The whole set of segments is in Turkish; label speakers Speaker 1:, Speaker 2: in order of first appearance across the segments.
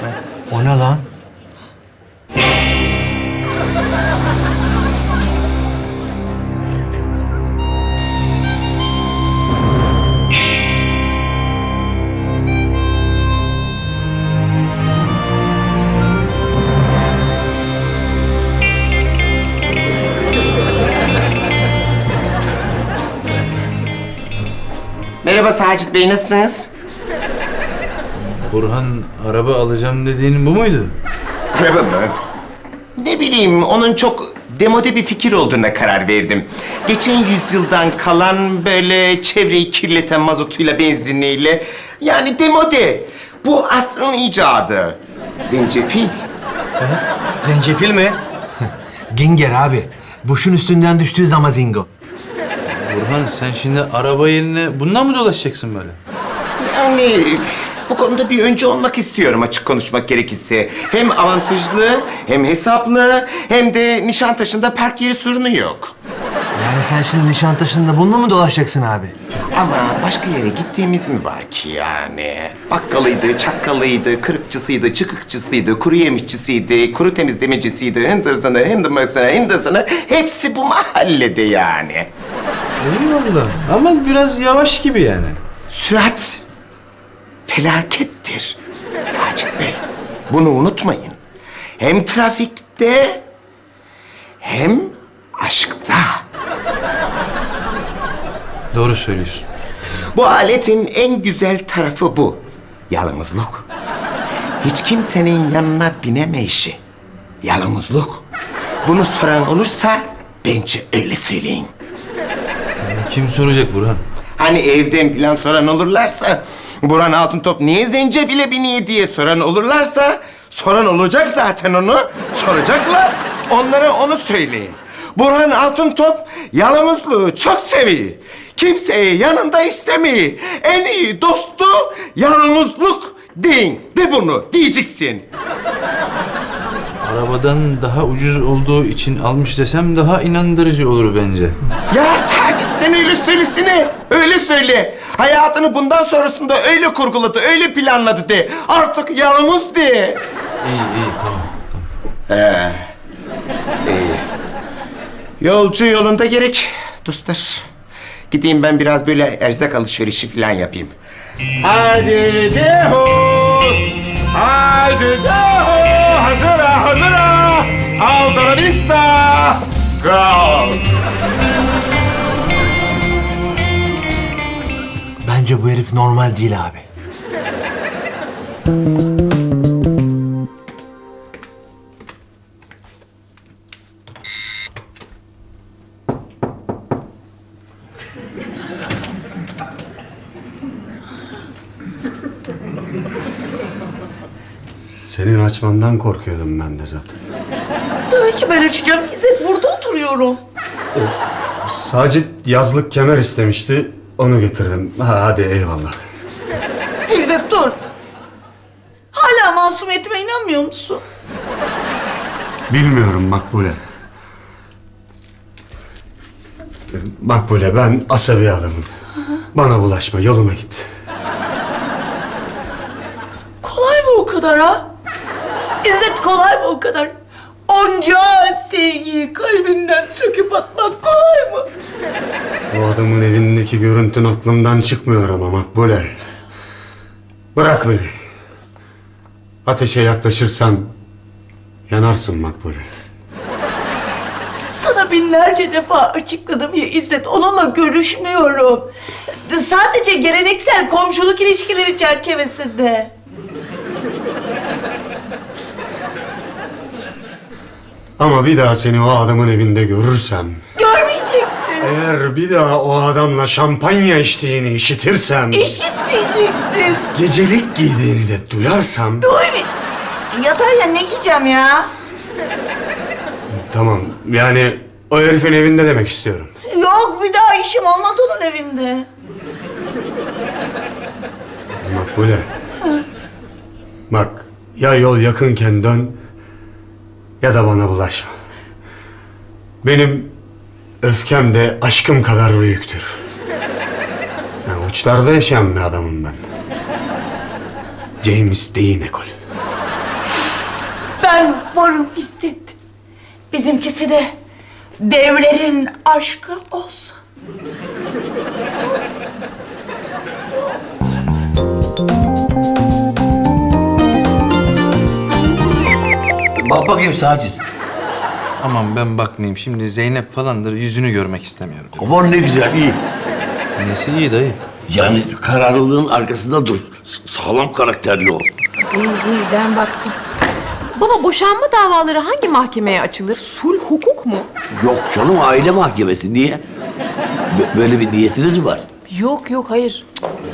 Speaker 1: O ne lan?
Speaker 2: Merhaba Sacit Bey, nasılsınız?
Speaker 3: Burhan araba alacağım dediğin bu muydu?
Speaker 2: Araba mı? Ne bileyim, onun çok demode bir fikir olduğuna karar verdim. Geçen yüzyıldan kalan böyle çevreyi kirleten mazotuyla, benzinliyle... Yani demode. Bu asrın icadı. Zencefil.
Speaker 1: Zencefil mi? Ginger abi. Boşun üstünden düştüğü zaman zingo.
Speaker 3: Burhan sen şimdi araba yerine bundan mı dolaşacaksın böyle?
Speaker 2: Yani bu konuda bir öncü olmak istiyorum, açık konuşmak gerekirse. Hem avantajlı, hem hesaplı, hem de Nişantaşı'nda park yeri sorunu yok.
Speaker 1: Yani sen şimdi Nişantaşı'nda bununla mı dolaşacaksın abi?
Speaker 2: Ama başka yere gittiğimiz mi var ki yani? Bakkalıydı, çakkalıydı, kırıkçısıydı, çıkıkçısıydı, kuru yemişçisiydi, kuru temizlemecisiydi, hındasını, hepsi bu mahallede yani.
Speaker 3: Eyvallah ama biraz yavaş gibi yani.
Speaker 2: Sürat felakettir Sacit Bey. Bunu unutmayın. Hem trafikte hem aşkta.
Speaker 3: Doğru söylüyorsun.
Speaker 2: Bu aletin en güzel tarafı bu. Yalnızlık. Hiç kimsenin yanına binemeyişi. Yalnızlık. Bunu soran olursa bence öyle söyleyin.
Speaker 3: Kim soracak Burhan?
Speaker 2: Hani evden plan soran olurlarsa, Burhan Altıntop niye zencefile biniyor diye soran olurlarsa, soran olacak zaten onu, soracaklar. Onlara onu söyleyin. Burhan Altıntop yalnızlığı çok seviyor. Kimseyi yanında istemiyor. En iyi dostu yalnızlık deyin. De bunu, diyeceksin.
Speaker 3: Arabadan daha ucuz olduğu için almış desem daha inandırıcı olur bence.
Speaker 2: Ya Sacit, sen öyle söylesene. Öyle söyle. Hayatını bundan sonrasında öyle kurguladı, öyle planladı de. Artık yalnız de.
Speaker 3: İyi tamam.
Speaker 2: Yolcu yolunda gerek dostlar. Gideyim ben biraz böyle erzak alışverişi falan yapayım. Haydi deho! Haydi deho! Hazıra! Alta la vista! Go!
Speaker 1: Bence bu herif normal değil abi.
Speaker 4: Senin açmandan korkuyordum ben de zaten.
Speaker 5: Tabii ki ben açacağım. İzzet, burada oturuyorum.
Speaker 4: Sacit yazlık kemer istemişti, onu getirdim. Hadi eyvallah.
Speaker 5: İzzet dur. Hala masumiyetime inanmıyor musun?
Speaker 4: Bilmiyorum Makbule. Makbule, ben asabi adamım. Bana bulaşma, yoluna git.
Speaker 5: Kolay mı o kadar ha? İzzet, kolay mı o kadar? Onca sevgiyi kalbinden söküp atmak kolay mı?
Speaker 4: O adamın evindeki görüntün aklımdan çıkmıyor ama Makbule. Bırak beni. Ateşe yaklaşırsan yanarsın Makbule.
Speaker 5: Sana binlerce defa açıkladım ya İzzet, onunla görüşmüyorum. Sadece geleneksel komşuluk ilişkileri çerçevesinde.
Speaker 4: Ama bir daha seni o adamın evinde görürsem...
Speaker 5: Görmeyeceksin.
Speaker 4: Eğer bir daha o adamla şampanya içtiğini işitirsem...
Speaker 5: İşitmeyeceksin.
Speaker 4: Gecelik giydiğini de duyarsam...
Speaker 5: Duy bir. Yatar ya, ne giyeceğim ya?
Speaker 4: Tamam, yani o herifin evinde demek istiyorum.
Speaker 5: Yok, bir daha işim olmaz onun evinde.
Speaker 4: Makbule. Bak, ya yol yakınken dön... ya da bana bulaşma. Benim öfkem de aşkım kadar büyüktür. Yani uçlarda yaşayan bir adamım ben. James Dean ekolü.
Speaker 5: Ben varım İzzet. Bizimkisi de devlerin aşkı olsun.
Speaker 6: Bak bakayım Sacit.
Speaker 3: Aman ben bakmayayım. Şimdi Zeynep falandır. Yüzünü görmek istemiyorum.
Speaker 6: Aman ne güzel, iyi.
Speaker 3: Nesi iyi dayı?
Speaker 6: Yani kararlılığın arkasında dur. Sağlam karakterli ol.
Speaker 7: İyi ben baktım. Baba boşanma davaları hangi mahkemeye açılır? Sulh hukuk mu?
Speaker 6: Yok canım, aile mahkemesi. Niye? Böyle bir niyetiniz mi var?
Speaker 7: Yok hayır.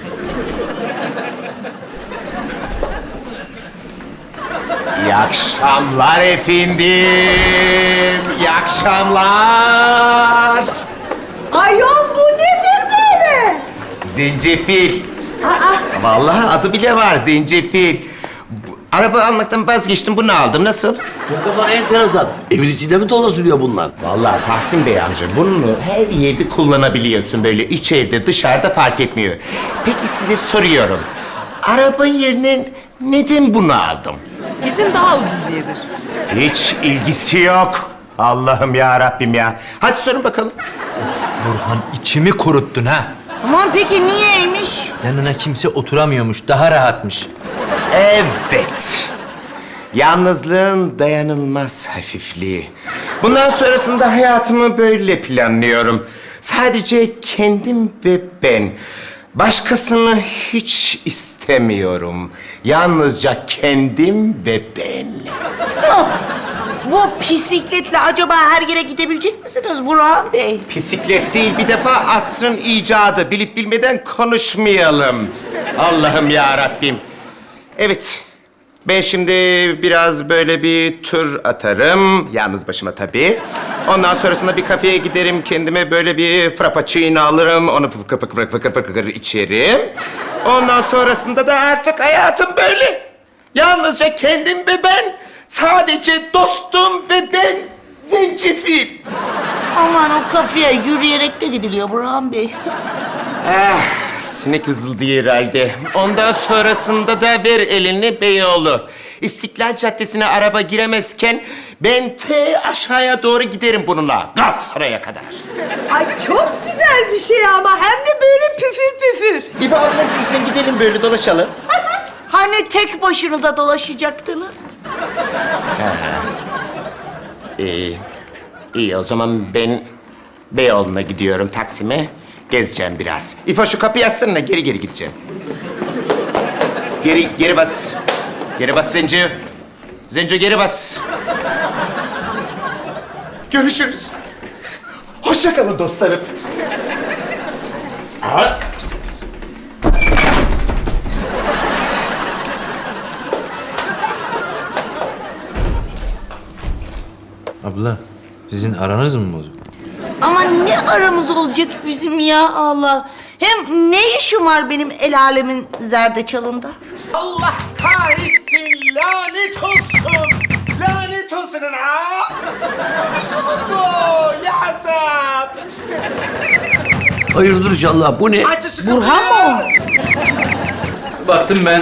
Speaker 2: İyi akşamlar efendim. İyi akşamlar.
Speaker 5: Ayol bu nedir böyle?
Speaker 2: Zencefil. Vallahi adı bile var, zencefil. Araba almaktan vazgeçtim, bunu aldım. Nasıl?
Speaker 6: Ne kadar enteresan. Evin içinde mi dolaşılıyor bunlar?
Speaker 2: Vallahi Tahsin Bey amca, bunu her yerde kullanabiliyorsun böyle. İçeride, dışarıda fark etmiyor. Peki size soruyorum. Araba yerine neden bunu aldım?
Speaker 7: Kesin daha ucuz diyedir.
Speaker 2: Hiç ilgisi yok. Allah'ım ya Rabbim ya. Hadi sorun bakalım.
Speaker 1: Burhan içimi kuruttun ha.
Speaker 5: Aman peki niyeymiş?
Speaker 1: Yanına kimse oturamıyormuş, daha rahatmış.
Speaker 2: Evet. Yalnızlığın dayanılmaz hafifliği. Bundan sonrasında hayatımı böyle planlıyorum. Sadece kendim ve ben. Başkasını hiç istemiyorum. Yalnızca kendim ve ben.
Speaker 5: Bu bisikletle acaba her yere gidebilecek misiniz Burhan Bey?
Speaker 2: Bisiklet değil, bir defa asrın icadı. Bilip bilmeden konuşmayalım. Allah'ım ya Rabbim. Evet, ben şimdi biraz böyle bir tur atarım. Yalnız başıma tabii. Ondan sonrasında bir kafeye giderim. Kendime böyle bir frappuccino alırım. Onu fıkır fıkır içerim. Ondan sonrasında da artık hayatım böyle. Yalnızca kendim ve ben. Sadece dostum ve ben. Zencefil.
Speaker 5: Aman o kafeye yürüyerek de gidiliyor Burhan Bey.
Speaker 2: Sinek vızıldıyor herhalde. Ondan sonrasında da ver elini Beyoğlu. İstiklal Caddesi'ne araba giremezken ben aşağıya doğru giderim bununla. Galatasaray'a kadar.
Speaker 7: Ay çok güzel bir şey ama hem de böyle püfür püfür.
Speaker 2: İfa abla istersen gidelim böyle dolaşalım.
Speaker 5: Hani tek başınıza dolaşacaktınız?
Speaker 2: İyi o zaman ben Beyoğlu'na gidiyorum, Taksim'e. Gezeceğim biraz. İfa şu kapıyı açsana, geri gideceğim. Geri bas. Geri bas Zenci. Zenci geri bas. Görüşürüz. Hoşça kalın dostlarım.
Speaker 3: Abla, sizin aranız mı bozuk?
Speaker 5: Ama ne aramız olacak bizim ya Allah. Hem ne işim var benim el alemin zerdeçalında?
Speaker 2: Allah kahretsin, lanet olsun. Lanet olsun ha. Konuşulur mu? Yardım.
Speaker 6: Hayırdır inşallah, bu ne?
Speaker 2: Açı şu
Speaker 5: Burhan mı o?
Speaker 3: Baktım ben.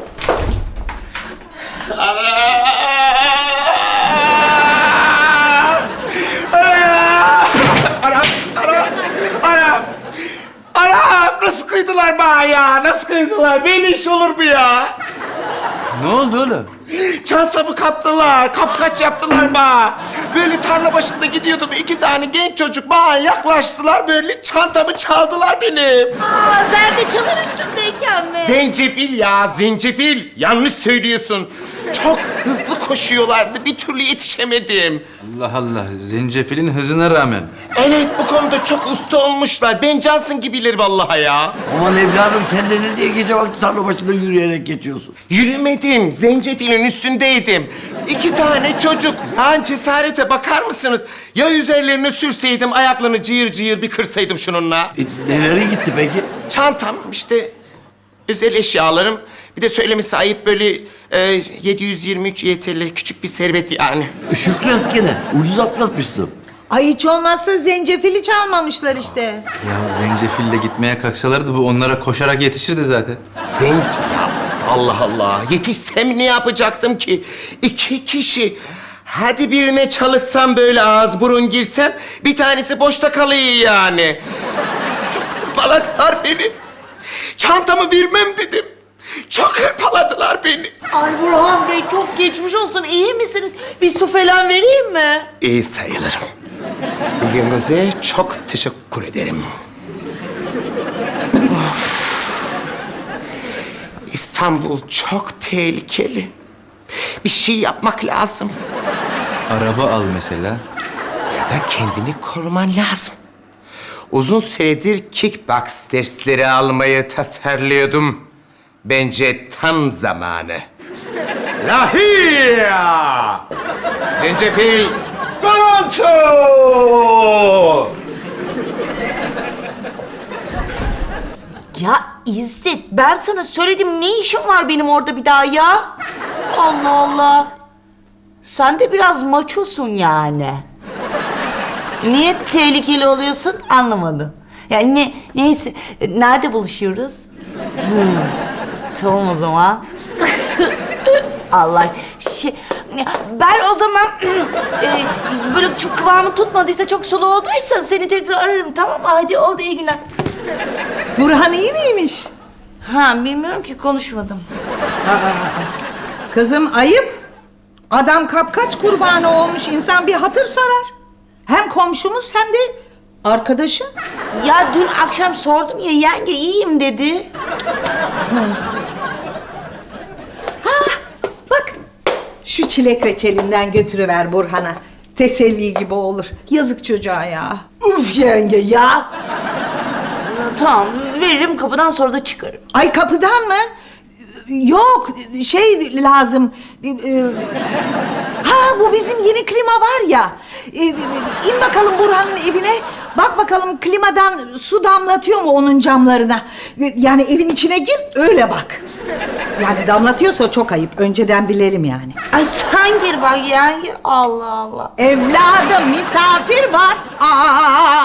Speaker 2: Anam nasıl kıydılar bana ya? Nasıl kıydılar? Böyle iş olur mu ya?
Speaker 3: Ne oldu oğlum?
Speaker 2: Çantamı kaptılar, kapkaç yaptılar bana. Böyle tarla başında gidiyordum, 2 tane genç çocuk bana yaklaştılar, böyle çantamı çaldılar benim.
Speaker 5: Aa, zerdeçalın üstündeyken mi?
Speaker 2: Zencefil ya, zencefil. Yanlış söylüyorsun. Çok hızlı koşuyorlardı, bir türlü yetişemedim.
Speaker 3: Allah Allah, zencefilin hızına rağmen.
Speaker 2: Evet, bu konuda çok usta olmuşlar. Ben Johnson gibiler vallahi ya.
Speaker 6: Aman evladım, sen de ne diye gece vakti tarla başında yürüyerek geçiyorsun?
Speaker 2: Yürümedim, zencefilin üstündeydim. 2 tane çocuk. Yani cesarete bakar mısınız? Ya üzerlerine sürseydim, ayaklarını cıyır cıyır bir kırsaydım şununla.
Speaker 6: Nereye gitti peki?
Speaker 2: Çantam işte, özel eşyalarım. Bir de söylemesi ayıp böyle 723 YTL küçük bir servet yani.
Speaker 6: Şükret gene, ucuz atlatmışsın.
Speaker 8: Ay hiç olmazsa zencefili çalmamışlar işte.
Speaker 3: Ya zencefille gitmeye kalksalardı bu onlara koşarak yetişirdi zaten.
Speaker 2: Ya Allah Allah. Yetişsem ne yapacaktım ki? 2 kişi. Hadi birine çalışsam böyle ağız burun girsem bir tanesi boşta kalıyor yani. Çok hırpaladılar beni. Çantamı vermem dedim. Çok hırpaladılar beni.
Speaker 5: Ay Burhan Bey çok geçmiş olsun. İyi misiniz? Bir su falan vereyim mi?
Speaker 2: İyi sayılırım. Bilginize çok teşekkür ederim. Of. İstanbul çok tehlikeli. Bir şey yapmak lazım.
Speaker 3: Araba al mesela.
Speaker 2: Ya da kendini koruman lazım. Uzun süredir kickbox dersleri almayı tasarlıyordum. Bence tam zamanı. Lahia! Zencefil! Garanto!
Speaker 5: Ya İzzet ben sana söyledim ne işim var benim orada bir daha ya? Allah Allah. Sen de biraz maçosun yani. Niye tehlikeli oluyorsun anlamadım. Yani neyse nerede buluşuyoruz? Tamam o zaman. Allah aşkına. Ben o zaman böyle çok kıvamı tutmadıysa çok sulu olduysa seni tekrar ararım tamam mı? Hadi oldu iyi günler.
Speaker 8: Burhan iyi miymiş?
Speaker 5: Ha bilmiyorum ki konuşmadım.
Speaker 8: Kızım ayıp. Adam kapkaç kurbanı olmuş, insan bir hatır sorar. Hem komşumuz hem de arkadaşın.
Speaker 5: Ya dün akşam sordum ya yenge iyiyim dedi.
Speaker 8: Bak şu çilek reçelinden götürüver Burhan'a. Teselli gibi olur. Yazık çocuğa ya.
Speaker 5: Uf yenge ya. Tamam veririm kapıdan sonra da çıkarım.
Speaker 8: Ay kapıdan mı? Yok şey lazım. Ha bu bizim yeni klima var ya. İn bakalım Burhan'ın evine. Bak bakalım klimadan su damlatıyor mu onun camlarına. Yani evin içine gir öyle bak. Yani damlatıyorsa çok ayıp. Önceden bilelim yani.
Speaker 5: Ay sen gir bak yenge. Allah Allah.
Speaker 8: Evladım misafir var. Aa!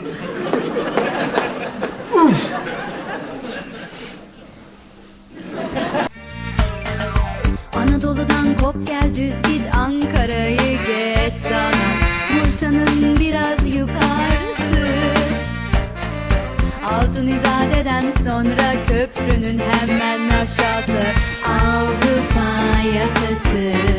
Speaker 9: Anadolu'dan kop gel düz git Ankara'yı geç sana Bursa'nın biraz yukarısı Altın İzade'den sonra köprünün hemen aşağısı Avrupa yakası